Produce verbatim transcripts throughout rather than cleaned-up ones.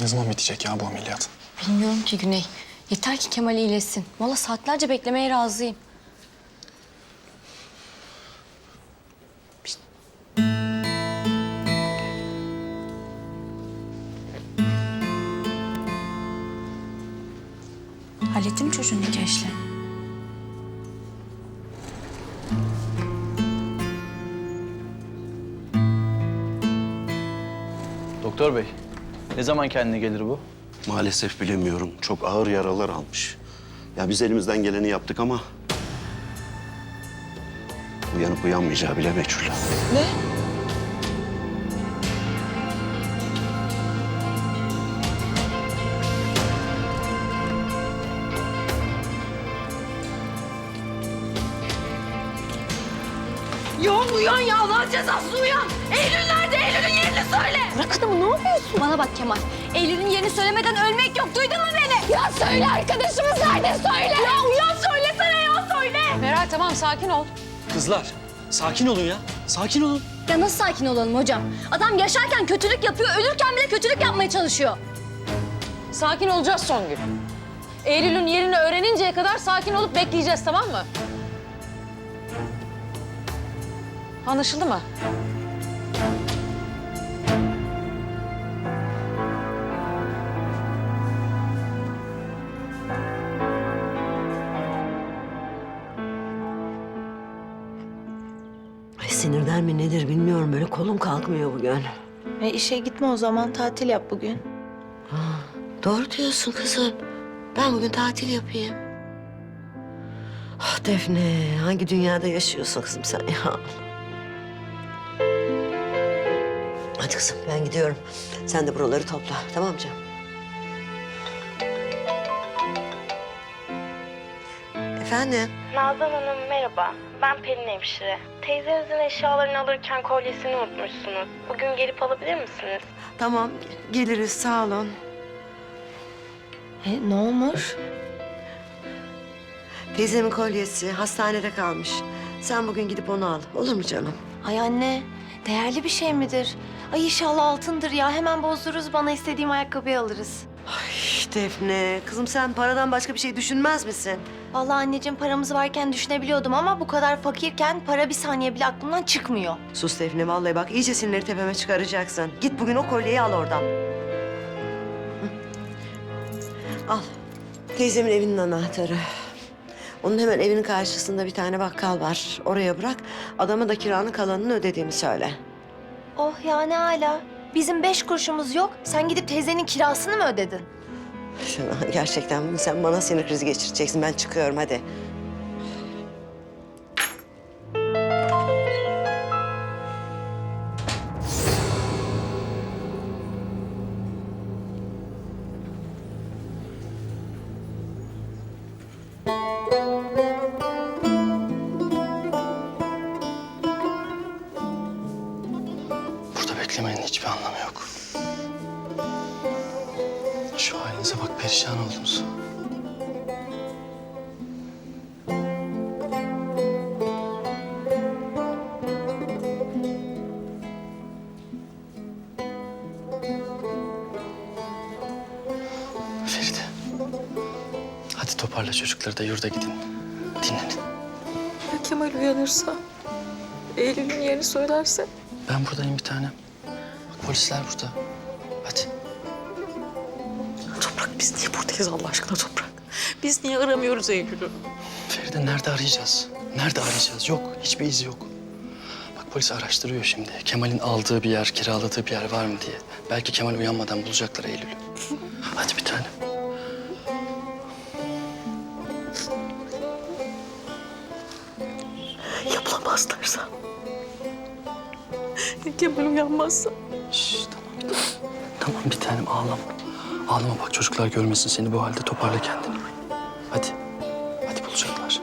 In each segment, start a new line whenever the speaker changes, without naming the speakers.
Ne zaman bitecek ya bu ameliyat?
Bilmiyorum ki Güney. Yeter ki Kemal iyileşsin. Vallahi saatlerce beklemeye razıyım. Hallettin mi çocuğun nikah işlerini?
Doktor bey, ne zaman kendine gelir bu?
Maalesef bilemiyorum. Çok ağır yaralar almış. Ya biz elimizden geleni yaptık ama... uyanıp uyanmayacağı bile meçhul.
Ne? Ya uyan ya, Allah'ın cezası uyan! Eylül nerede? Eylül'ün yerini söyle! Bırak adamı, ne yapıyorsun? Bana bak Kemal, Eylül'ün yerini söylemeden ölmek yok, duydun mu beni? Ya söyle, arkadaşımız nerede söyle! Ya uyan, söylesene ya, söyle!
Meral tamam sakin ol.
Kızlar, sakin olun ya. Sakin olun.
Ya nasıl sakin olalım hocam? Adam yaşarken kötülük yapıyor, ölürken bile kötülük yapmaya çalışıyor.
Sakin olacağız Songül. Eylül'ün yerini öğreninceye kadar sakin olup bekleyeceğiz, tamam mı? Anlaşıldı mı?
Ay sinirden mi nedir bilmiyorum. Böyle kolum kalkmıyor bugün.
E işe gitme o zaman, tatil yap bugün.
Doğru diyorsun kızım. Ben bugün tatil yapayım. Ah Defne, hangi dünyada yaşıyorsun kızım sen ya? Hadi kızım ben gidiyorum. Sen de buraları topla, tamam mı canım? Efendim?
Nazan Hanım merhaba. Ben Pelin hemşire. Teyzenizin eşyalarını alırken kolyesini unutmuşsunuz. Bugün gelip alabilir misiniz?
Tamam, geliriz sağ olun.
E ne olmuş?
Teyzemin kolyesi hastanede kalmış. Sen bugün gidip onu al, olur mu canım?
Ay anne, değerli bir şey midir? Ay inşallah altındır ya. Hemen bozdururuz, bana istediğim ayakkabıyı alırız.
Ay Defne, kızım sen paradan başka bir şey düşünmez misin?
Vallahi anneciğim, paramız varken düşünebiliyordum ama bu kadar fakirken para bir saniye bile aklımdan çıkmıyor.
Sus Defne, vallahi bak iyice sinirleri tepeme çıkaracaksın. Git bugün o kolyeyi al oradan. Hı. Al. Teyzemin evinin anahtarı. Onun hemen evinin karşısında bir tane bakkal var. Oraya bırak. Adama da kiranın kalanını ödediğimi söyle.
Oh ya, ne hala. Bizim beş kuruşumuz yok. Sen gidip teyzenin kirasını mı ödedin?
Şuna, gerçekten bunu sen bana sinir krizi geçireceksin. Ben çıkıyorum hadi.
Burada beklemenin hiçbir anlamı yok. Şu halinize bak, perişan oldunuz. Feride. Hadi toparla çocukları da yurda gidin. Dinlenin.
Ya Kemal uyanırsa? Eylül'ün yerini söylerse?
Ben buradayım bir tanem. Bak polisler burada. Hadi.
Toprak, biz niye buradayız Allah aşkına Toprak? Biz niye aramıyoruz Eylül'ü?
Feride nerede arayacağız? Nerede arayacağız? Yok. Hiçbir iz yok. Bak polis araştırıyor şimdi. Kemal'in aldığı bir yer, kiraladığı bir yer var mı diye. Belki Kemal uyanmadan bulacaklar Eylül'ü. Hadi bir tanem.
Ya bulamazlarsa? Ya Kemal uyanmazsa?
Şş, tamam. Tamam bir tanem ağlama. Ağlama bak, çocuklar görmesin seni bu halde, toparla kendini. Hadi. Hadi bulacaklar.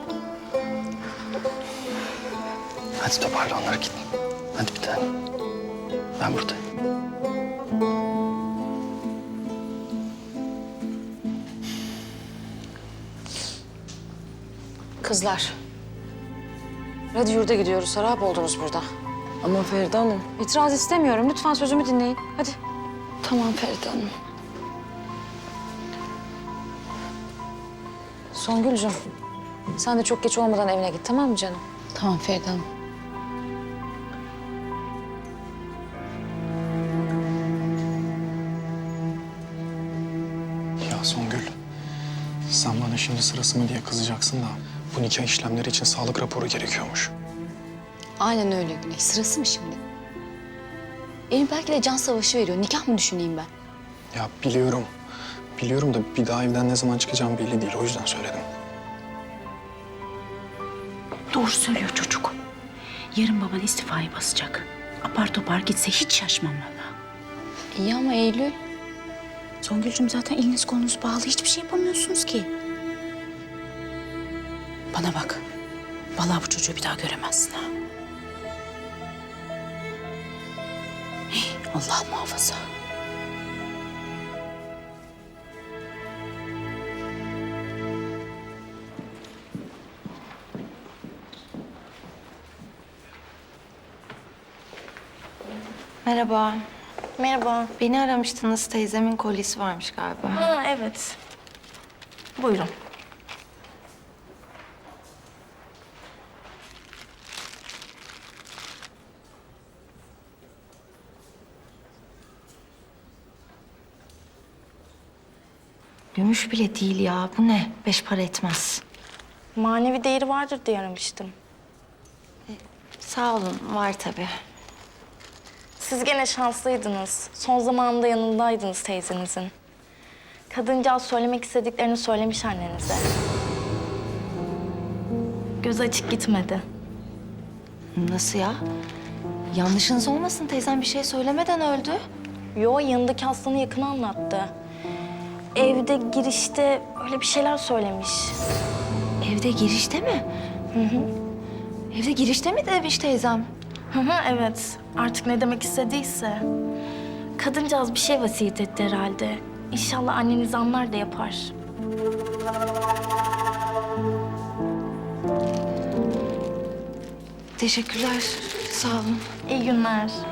Hadi toparla onları, git. Hadi bir tanem. Ben buradayım.
Kızlar. Hadi yurda gidiyoruz. Harap oldunuz burada.
Ama Feride Hanım.
İtiraz istemiyorum. Lütfen sözümü dinleyin. Hadi.
Tamam Feride Hanım.
Songül'cüm sen de çok geç olmadan evine git tamam mı canım?
Tamam Feride Hanım.
Ya Songül, sen bana şimdi sırası mı diye kızacaksın da bu nikah işlemleri için sağlık raporu gerekiyormuş.
Aynen öyle Güney. Sırası mı şimdi? Elim belki de can savaşı veriyor. Nikah mı düşüneyim ben?
Ya biliyorum, biliyorum da bir daha evden ne zaman çıkacağım belli değil. O yüzden söyledim.
Doğru söylüyor çocuk. Yarın baban istifayı basacak. Apar topar gitse hiç şaşmam valla.
İyi ama Eylül.
Songül'cüm zaten eliniz kolunuz bağlı. Hiçbir şey yapamıyorsunuz ki. Bana bak. Vallahi bu çocuğu bir daha göremezsin ha. Hey, Allah muhafaza.
Merhaba.
Merhaba.
Beni aramıştınız. Teyzemin kolyesi varmış galiba.
Ha evet. Buyurun.
Gümüş bile değil ya. Bu ne? Beş para etmez.
Manevi değeri vardır diye aramıştım.
Sağ olun. Var tabii.
Siz gene şanslıydınız. Son zamanında yanındaydınız teyzenizin. Kadıncağız söylemek istediklerini söylemiş annenize. Göz açık gitmedi.
Nasıl ya? Yanlışınız olmasın. Teyzem bir şey söylemeden öldü.
Yo, yanındaki hastanın yakını anlattı. Evde girişte öyle bir şeyler söylemiş.
Evde girişte mi?
Hı hı.
Evde girişte mi demiş teyzem?
Hı hı, evet. Artık ne demek istediyse. Kadıncağız bir şey vasiyet etti herhalde. İnşallah anneniz anlar da yapar.
Teşekkürler. Sağ olun.
İyi günler.